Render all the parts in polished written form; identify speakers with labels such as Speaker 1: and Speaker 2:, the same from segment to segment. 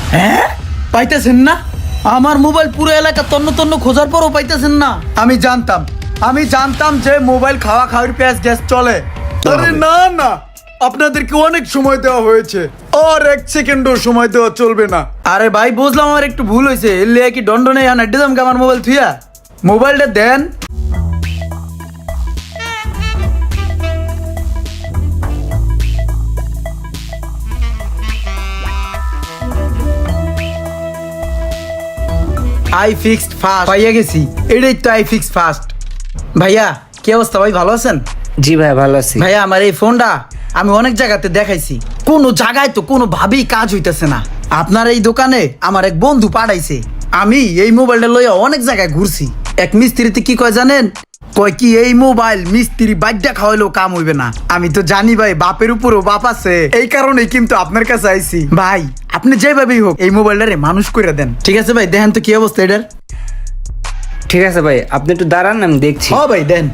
Speaker 1: হ্যাঁ, পাইতেছেন না? আমার মোবাইল পুরো এলাকা তন্ন তন্ন খোঁজার পরও পাইতেছেন না? আমি জানতাম যে মোবাইল খাওয়া খাওয়ার পেঁয়াজ গ্যাস চলে। আরে না না, আপনাদেরকে অনেক সময় দেওয়া হয়েছে, আর 1 সেকেন্ডও সময় দেওয়া চলবে না। আরে ভাই বুঝলাম আমার একটু ভুল হয়েছে, এর লিয়ে কি দণ্ড নেই আনা দিলাম আমার মোবাইল থুইয়া? মোবাইলটা দেন। আই ফিক্সড ফাস্ট পাইয়া গেছি, এটাই তো আই ফিক্সড ফাস্ট। ভাইয়া কি অবস্থা ভাই, ভালো আছেন?
Speaker 2: জি ভাই, ভালো আছি।
Speaker 1: ভাইয়া আমার এই ফোনটা আমি অনেক জায়গাতে দেখাইছি, কোনো জায়গায় তো কোনো ভাবেই কাজ হইতেছে না। আপনার এই দোকানে আমার এক বন্ধু পাঠাইছে, আমি এই মোবাইলটা লইয়া অনেক জায়গায় ঘুরছি। এক মিস্ত্রিতে কি কয় জানেন? কয় কি এই মোবাইল মিস্ত্রি বাইকটা খাওয়াইলেও কাম হইবে না। আমি তো জানি ভাই বাপের উপরও বাপ আছে, এই কারণেই কিন্তু আপনার কাছে আইছি। ভাই আপনি যেভাবেই হোক এই মোবাইলটারে মানুষ করে দেন। ঠিক আছে ভাই, দেখেন তো কি অবস্থা এটার।
Speaker 2: ঠিক আছে ভাই, আপনি একটু দাঁড়ান, আমি দেখছি।
Speaker 1: ও ভাই দেন।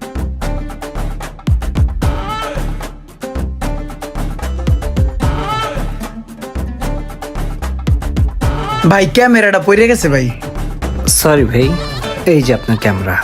Speaker 1: ভাই ক্যামেরাটা পড়ে গেছে ভাই।
Speaker 2: সরি ভাই, এই যে আপনার ক্যামেরা।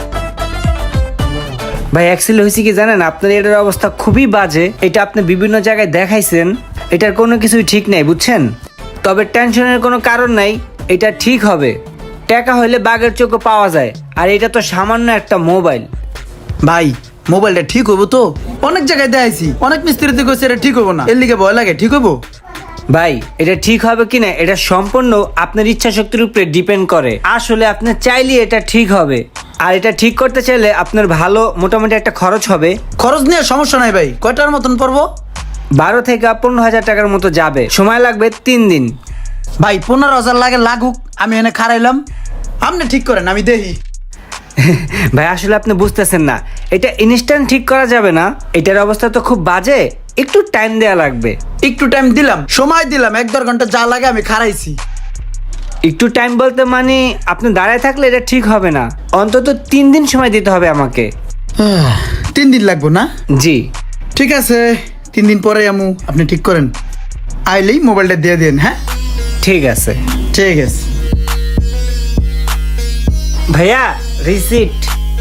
Speaker 2: ভাই অ্যাক্সিডেন্ট হয়েছে কি জানেন, আপনার এটার অবস্থা খুবই বাজে। এটা আপনি বিভিন্ন জায়গায় দেখাইছেন, এটার কোনো কিছুই ঠিক নাই, বুঝছেন? তবে টেনশনের কোনো কারণ নাই, এটা ঠিক হবে। টাকা হইলে বাঘের চোখও পাওয়া যায়, আর এটা তো সামান্য একটা মোবাইল।
Speaker 1: ভাই মোবাইলটা ঠিক হবো তো? অনেক জায়গায় দেখাইছি, অনেক মিস্ত্রিতে কইছে এটা ঠিক হবো না, এর লিগে ভয় লাগে। ঠিক হবো
Speaker 2: ভাই, এটা ঠিক হবে কিনা এটা সম্পূর্ণ আপনার ইচ্ছা শক্তির উপরে ডিপেন্ড করে। আসলে আপনি চাইলে এটা ঠিক হবে, আর এটা ঠিক করতে চাইলে আপনার ভালো মোটামুটি একটা খরচ হবে।
Speaker 1: খরচ নিয়ে সমস্যা নাই ভাই, কয়টার মতন পড়বো?
Speaker 2: 12 থেকে 15,000 টাকার মতো যাবে, সময় লাগবে 3 দিন।
Speaker 1: ভাই 15,000 লাগে, লাগুক, আমি এনে খারাইলাম, আপনি ঠিক করেন আমি দেখি।
Speaker 2: ভাই আসলে আপনি বুঝতেছেন না, এটা ইনস্ট্যান্ট ঠিক করা যাবে না, এটার অবস্থা তো খুব বাজে, একটু টাইম দেওয়া লাগবে।
Speaker 1: একটু টাইম দিলাম, সময় দিলাম, 1-1.5 ঘন্টা যা লাগে আমি খারাইছি।
Speaker 2: একটু টাইম বলতে মানে আপনি দাঁড়ায় থাকলে এটা ঠিক হবে না, অন্তত 3 দিন সময় দিতে হবে আমাকে।
Speaker 1: 3 দিন লাগবো না?
Speaker 2: জি
Speaker 1: ঠিক আছে, 3 দিন পরে আমু, আপনি ঠিক করেন। আইলেই মোবাইলটা দিয়ে দেন। হ্যাঁ
Speaker 2: ঠিক আছে।
Speaker 1: ঠিক আছে
Speaker 2: ভাইয়া রিসিট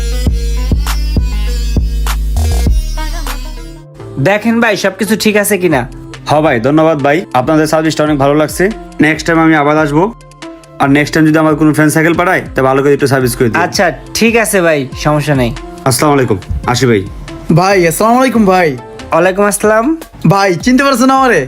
Speaker 2: দেখেন ভাই, সবকিছু ঠিক আছে কিনা।
Speaker 3: হ্যাঁ ভাই, ধন্যবাদ ভাই, আপনাদের সার্ভিসটা অনেক ভালো লাগছে। নেক্সট টাইম আমি আবার আসবো, আর নেক্সট টাইম যদি আমার কোনো ফ্রেন্ড সাইকেল পাঠায় তা ভালো করে একটু সার্ভিস করে দিই।
Speaker 2: আচ্ছা ঠিক আছে ভাই, সমস্যা নেই।
Speaker 3: আসসালামু আলাইকুম, আসি ভাই।
Speaker 1: ভাই, আসসালামু আলাইকুম ভাই।
Speaker 2: ওয়ালাইকুম আসসালাম।
Speaker 1: ভাই চিনতে পারছেন আমারে?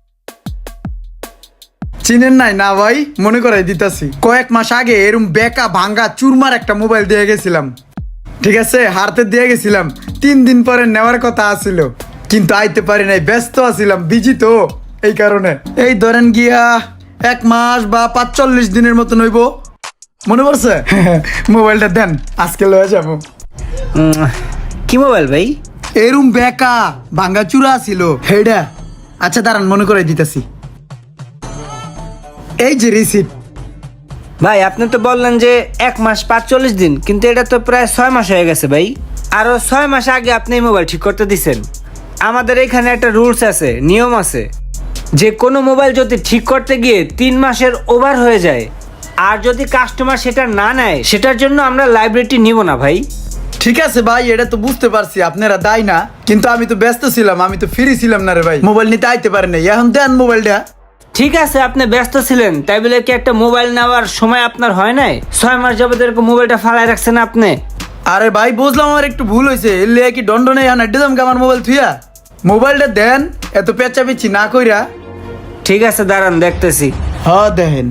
Speaker 1: চিনেন নাই না ভাই? মনে করাই দিতাছি, কয়েক মাস আগে এরম বেকা ভাঙ্গা চুরমার একটা মোবাইল দিয়ে গেছিলাম। ঠিক আছে, হারতে দিয়ে গেছিলাম, 3 দিন পরে নেওয়ার কথা আছিল, কিন্তু আইতে পারি নাই, ব্যস্ত আছিলাম, বিজি তো, এই কারণে। এই ধরেন গিয়া 1 মাস বা 45 দিনের মতন হইব। মনে পড়ছে? মোবাইলটা দেন, আজকে লয়ে যাবো।
Speaker 2: কি মোবাইল ভাই?
Speaker 1: এরম বেকা ভাঙ্গা চূড়া ছিল হেডা। আচ্ছা দাঁড়ান, মনে করাই দিতাছি, এই যে রিসিপ্ট।
Speaker 2: ভাই আপনি তো বললেন যে 1 মাস 45 দিন, কিন্তু এটা তো প্রায় 6 মাস হয়ে গেছে ভাই। আরো 6 মাস আগে আপনি এই মোবাইল ঠিক করতে দিছেন। আমাদের এখানে একটা রুলস আছে, নিয়ম আছে, যে কোনো মোবাইল যদি ঠিক করতে গিয়ে 3 মাসের ওভার হয়ে যায়, আর যদি কাস্টমার সেটা না নেয়, সেটার জন্য আমরা লাইবিলিটি নিব না ভাই।
Speaker 1: ঠিক আছে ভাই, এটা তো বুঝতে পারছি আপনারা দায় না, কিন্তু আমি তো ব্যস্ত ছিলাম, আমি তো ফ্রি ছিলাম না রে ভাই, মোবাইল নিতে আইতে পারি নাই। এখন দেন মোবাইলটা।
Speaker 2: ঠিক আছে, আপনি ব্যস্ত ছিলেন, তাই বলে কি একটা মোবাইল নেওয়ার সময় আপনার হয় নাই? 6 মাস যাবত এরকম মোবাইলটা ফালাই রাখছেন আপনি।
Speaker 1: আরে ভাই বুঝলাম আমার একটু ভুল হয়েছে, এর লিয়ে কি দণ্ড নেই এখন দিলাম আমার মোবাইল থুইয়া? মোবাইলটা দেন, এত পেঁচাপিচ্ছি না কইরা।
Speaker 2: ঠিক আছে দাঁড়ান, দেখতেছি।
Speaker 1: হ্যাঁ দেখেন।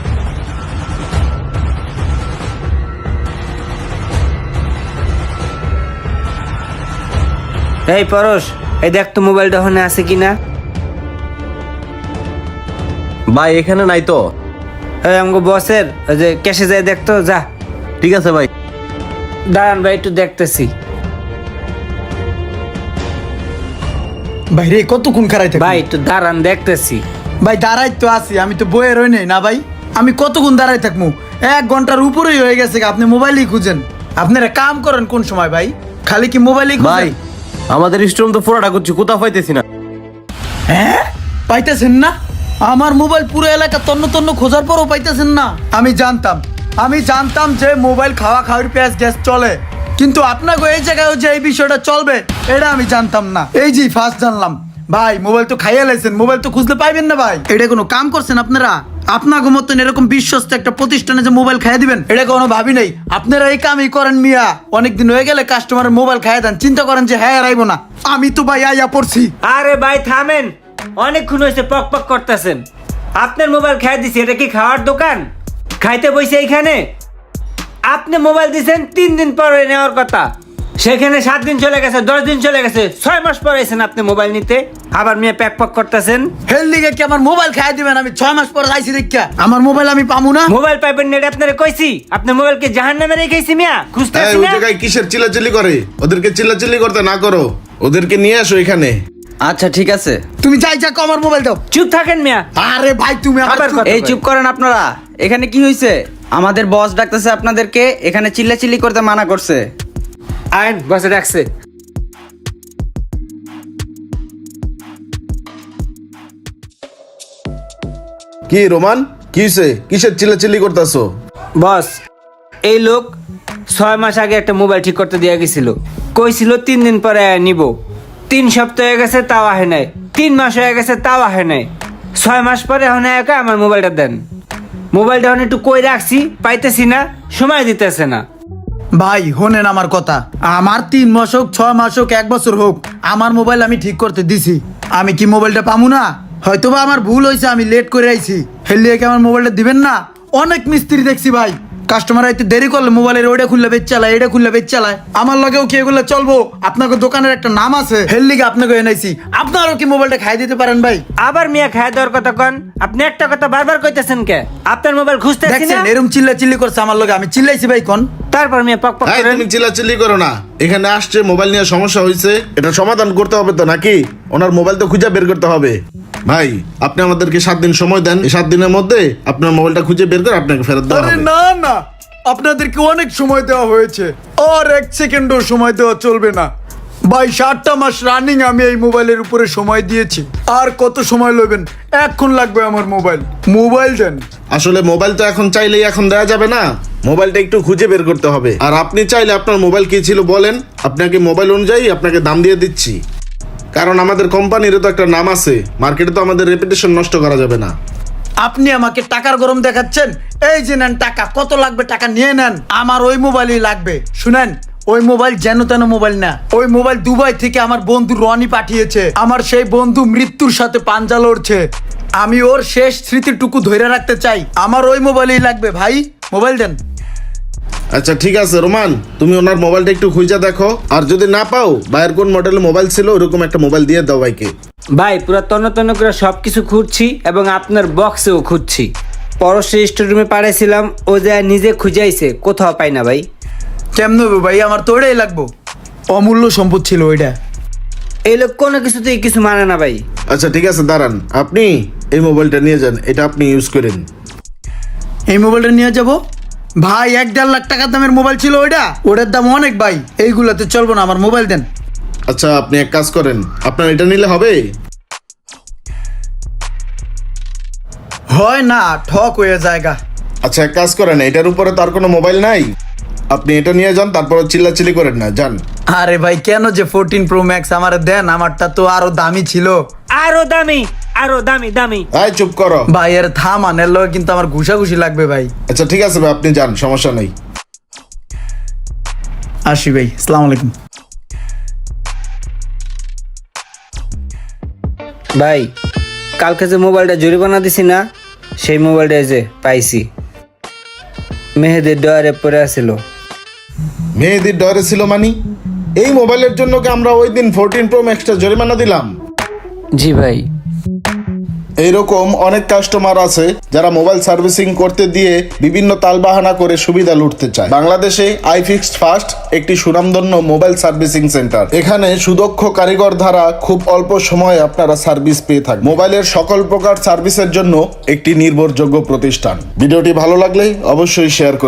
Speaker 2: এই পরশ, এই দেখ তো মোবাইলটা ওখানে আছে কিনা।
Speaker 4: ভাই এখানে নাই তো।
Speaker 2: এই আমগো বসের ওই যে ক্যাশে যায় দেখতো, যা।
Speaker 4: ঠিক আছে ভাই।
Speaker 2: দাঁড়ান ভাই, একটু দেখতেছি।
Speaker 1: ভাই রে কতক্ষণ খারাই থাকি?
Speaker 2: ভাই একটু দাঁড়ান, দেখতেছি।
Speaker 1: ভাই দাঁড়াই তো আছি, আমি তো বইয়ে রই নাই না ভাই, আমি কতক্ষণ দাঁড়াই থাকবো? 1 ঘন্টার উপরেই হয়ে গেছে, আপনি মোবাইলই খুঁজেন। আপনারা কাম করেন কোন সময় ভাই? খালি কি মোবাইলই খুঁজেন?
Speaker 4: ভাই আমাদের স্টোরুম তো পুরোটা করছি, কোথাও পাইতেছি না।
Speaker 1: হ্যাঁ পাইতেছেন না? আমার মোবাইল পুরো এলাকা তন্ন তন্ন খোঁজার পরও পাইতেছেন না। আমি জানতাম যে মোবাইল খাওয়া খাওয়ার পেঁয়াজ গ্যাস চলে, কিন্তু আপনাকে এই জায়গায় যে এই বিষয়টা চলবে এটা আমি জানতাম না। এই যে ফার্স্ট জানলাম। ভাই মোবাইল তো খাইয়া লাইছেন, মোবাইল তো খুঁজতে পাইবেন না ভাই। এটা কোনো কাম করছেন আপনারা? আপনাকে মতন এরকম বিশ্বস্ত একটা প্রতিষ্ঠানে যে মোবাইল খাইয়ে দিবেন এটা কোনো ভাবি নাই। আপনারা এই কামই করেন মিয়া। অনেকদিন হয়ে গেলে কাস্টমারের মোবাইল খাইয়ে দেন, চিন্তা করেন যে হ্যাঁ রাইবো না। আমি তো ভাই আইয়া পড়ছি।
Speaker 2: আরে ভাই থামেন, অনেকক্ষণ হয়েছে পক পক করতেছেন। আপনার মোবাইল খাই দিছি, এটা কি খাওয়ার দোকান? খাইতে বসে এইখানে আপনি মোবাইল দিছেন 3 দিন পরে নেওয়ার কথা, সেখানে 7 দিন চলে গেছে, 10 দিন চলে গেছে, 6 মাস পরে এসেছেন আপনি মোবাইল নিতে, আবার মেয়ে প্যাক পক করতেছেন।
Speaker 1: হেল লিগে কি আমার মোবাইল খাইয়ে দিবেন? আমি 6 মাস পরে আইছি দেখা আমার মোবাইল আমি পামু না।
Speaker 2: মোবাইল পাইবেন না এটা আপনারে কইছি। আপনি মোবাইলকে জাহান্নামে রেখেছি মিয়া, খুঁজতেছি
Speaker 5: ওই
Speaker 2: না।
Speaker 5: জায়গায় কিসের চিল্লাচিল্লি করে? ওদেরকে চিল্লাচিল্লি করতে না করো, ওদেরকে নিয়ে আসো এখানে।
Speaker 4: আচ্ছা ঠিক আছে।
Speaker 1: তুমি যাই যাকো আমার মোবাইল দাও।
Speaker 2: চুপ থাকেন মিয়া।
Speaker 1: আরে ভাই তুমি আবার
Speaker 2: আবার কথা
Speaker 4: এই
Speaker 2: কয়।
Speaker 4: চুপ করেন আপনারা। এখানে কি হয়েছে? আমাদের বস ডাকতেছে আপনাদেরকে, এখানে চিল্লাচিল্লি করতে মানা করছে।
Speaker 2: আইন বসে রাখছে।
Speaker 5: কি রোমান, কি হইছে? কিসের চিল্লাচিল্লি করতেছো?
Speaker 2: বস, এই লোক 6 মাস আগে একটা মোবাইল ঠিক করতে দিয়ে গেছিল, কইছিল 3 দিন পরে নিব। 3 সপ্তাহ হয়ে গেছে তাও আহে নাই, 3 মাস হয়ে গেছে তাও আহে নাই, 6 মাস পরে এখন একা আমার মোবাইলটা দেন। মোবাইলটা এখন একটু কই রাখছি, পাইতেছি না, সময় দিতেছে না।
Speaker 1: ভাই হোনেন আমার কথা। আমার 3 মাস হোক 6 মাস হোক 1 বছর হোক আমার মোবাইল আমি ঠিক করতে দিছি। আমি কি মোবাইলটা পামু না? হয়তোবা আমার ভুল হয়েছে, আমি লেট করে আইছি। হেললিয়ে কি আমার মোবাইলটা দিবেন না? অনেক মিস্ত্রি দেখছি ভাই, কাস্টমার আইতে দেরি করলে মোবাইলের ওইটা খুললে বেচ চালায়, এটা খুললে বেচ চালায়। আমার লগেও কি এগুলো চলবো? আপনাকে দোকানের একটা নাম আছে, হেললিগে আপনাকে এনাইছি। আপনারও কি মোবাইলটা খাই দিতে পারেন ভাই?
Speaker 2: আবার মিয়া খায় দেওয়ার কথা কন। আপনি একটা কথা বারবার কইতেছেন কে? আপনার মোবাইল খুঁজতেছি না,
Speaker 1: দেখছেন এরকম চিল্লা করছে আমার লগে, আমি চিল্লাইছি ভাই কোন?
Speaker 2: তারপর মিয়া পক পক
Speaker 5: এই,
Speaker 2: করেন।
Speaker 5: তুমি চিল্লাচিল্লি করো না। এখানে আসছে মোবাইল নিয়ে সমস্যা হয়েছে, এটা সমাধান করতে হবে তো নাকি? ওনার মোবাইল তো খুঁজে বের করতে হবে। ভাই আপনি আমাদেরকে 7 দিন সময় দেন, এই 7 দিনের মধ্যে আপনার মোবাইলটা খুঁজে বের করে আপনাকে ফেরত দেওয়া
Speaker 1: আরে
Speaker 5: হবে।
Speaker 1: না না, আপনাদেরকে অনেক সময় দেওয়া হয়েছে, আর 1 সেকেন্ডও সময় দেওয়া চলবে না ভাই। 7টা মাস রানিং আমি এই মোবাইলের উপরে সময় দিয়েছি। আর কত সময় লবেন? এখন লাগবে আমার মোবাইল দেন।
Speaker 5: আসলে মোবাইল তো এখন চাইলেই এখন দেওয়া যাবে না, মোবাইলটা একটু খুঁজে বের করতে হবে। আর আপনি চাইলে আপনার মোবাইল কি ছিল বলেন, আপনাকে মোবাইল অনুযায়ী আপনাকে দাম দিয়ে দিচ্ছি। কারণ আমাদের কোম্পানিরও তো একটা নাম আছে, মার্কেটে তো আমাদের রেপুটেশন নষ্ট করা যাবে না।
Speaker 1: আপনি আমাকে টাকার গরম দেখাচ্ছেন? এই যে নেন টাকা, কত লাগবে টাকা নিয়ে নেন। আমার ওই মোবাইলই লাগবে। শুনেন, ওই মোবাইল যেন তেন মোবাইল না। ওই মোবাইল দুবাই থেকে আমার বন্ধু রনি পাঠিয়েছে। আমার সেই বন্ধু মৃত্যুর সাথে পাঞ্জা লড়ছে, আমি ওর শেষ স্মৃতিটুকু ধরে রাখতে চাই। আমার ওই মোবাইলই লাগবে ভাই, মোবাইল দেন।
Speaker 5: আচ্ছা ঠিক আছে রোমান, তুমি ওনার মোবাইলটা একটু খুঁজে দেখো, আর যদি না পাও বাইরের কোন মডেলের মোবাইল ছিল ওরকম একটা মোবাইল দিয়ে দাও ভাইকে।
Speaker 2: ভাই পুরো তন্ন করে সবকিছু খুঁজছি এবং আপনার বক্সেও খুঁজছি। পরশের স্টোররুমে পাঠিয়েছিলাম, ও যা নিজে খুঁজাইছে, কোথাও পাই না ভাই।
Speaker 1: কেমন হবে ভাই? আমার তো ওটাই লাগবো, অমূল্য সম্পদ ছিল ওইটা।
Speaker 2: এই লোক কোনো কিছুতেই কিছু মানে না ভাই।
Speaker 5: আচ্ছা ঠিক আছে দাঁড়ান, আপনি এই মোবাইলটা নিয়ে যান, এটা আপনি ইউজ করেন।
Speaker 1: এই মোবাইলটা নিয়ে যাব ভাই? 1.5 লাখ টাকার দামের মোবাইল ছিল ওইটা, ওটার দাম অনেক ভাই। এইগুলাতে চলবো না, আমার মোবাইল দেন।
Speaker 5: আচ্ছা আপনি এক কাজ করেন, আপনার এটা নিলে হবে?
Speaker 1: হয় না, ঠক হয়ে জায়গা।
Speaker 5: আচ্ছা এক কাজ করেন, এটার উপরে তো আর কোনো মোবাইল নাই, আপনি এটা নিয়ে যান, তারপর চিল্লাচিল্লি করেন না, যান।
Speaker 1: আরে ভাই কেন যে 14 Pro Max আমার দেন, আমারটা তো আরো দামি ছিল।
Speaker 2: আরো দামি, আরো দামি দামি।
Speaker 5: আয় চুপ করো
Speaker 1: ভাই এর থামান, এর লগে কিন্তু আমার ঘুষাঘুষি লাগবে ভাই।
Speaker 5: আচ্ছা ঠিক আছে ভাই, আপনি যান, সমস্যা নেই।
Speaker 1: আসি ভাই, আসসালামু আলাইকুম।
Speaker 2: ভাই কালকে যে মোবাইলটা জরিমানা দিছি না, সেই মোবাইলটা যে পাইছি, মেহেদির ডয়ারে পড়ে আছিল।
Speaker 5: মেহেদির ডরে ছিল মানি? এই মোবাইলের জন্য কি আমরা ওই দিন 14 Pro Maxটা জরিমানা দিলাম?
Speaker 2: জি ভাই।
Speaker 5: এইরকম অনেক কাস্টমার আছে যারা মোবাইল সার্ভিসিং করতে দিয়ে বিভিন্ন তালবাহানা করে সুবিধা লুটতে চায়। বাংলাদেশে iFixed ফার্স্ট একটি সুনামধন্য মোবাইল সার্ভিসিং সেন্টার। এখানে সুদক্ষ কারিগর দ্বারা খুব অল্প সময়ে আপনারা সার্ভিস পেয়ে থাকেন। মোবাইলের সকল প্রকার সার্ভিসের জন্য একটি নির্ভরযোগ্য প্রতিষ্ঠান। ভিডিওটি ভালো লাগলে অবশ্যই শেয়ার করুন।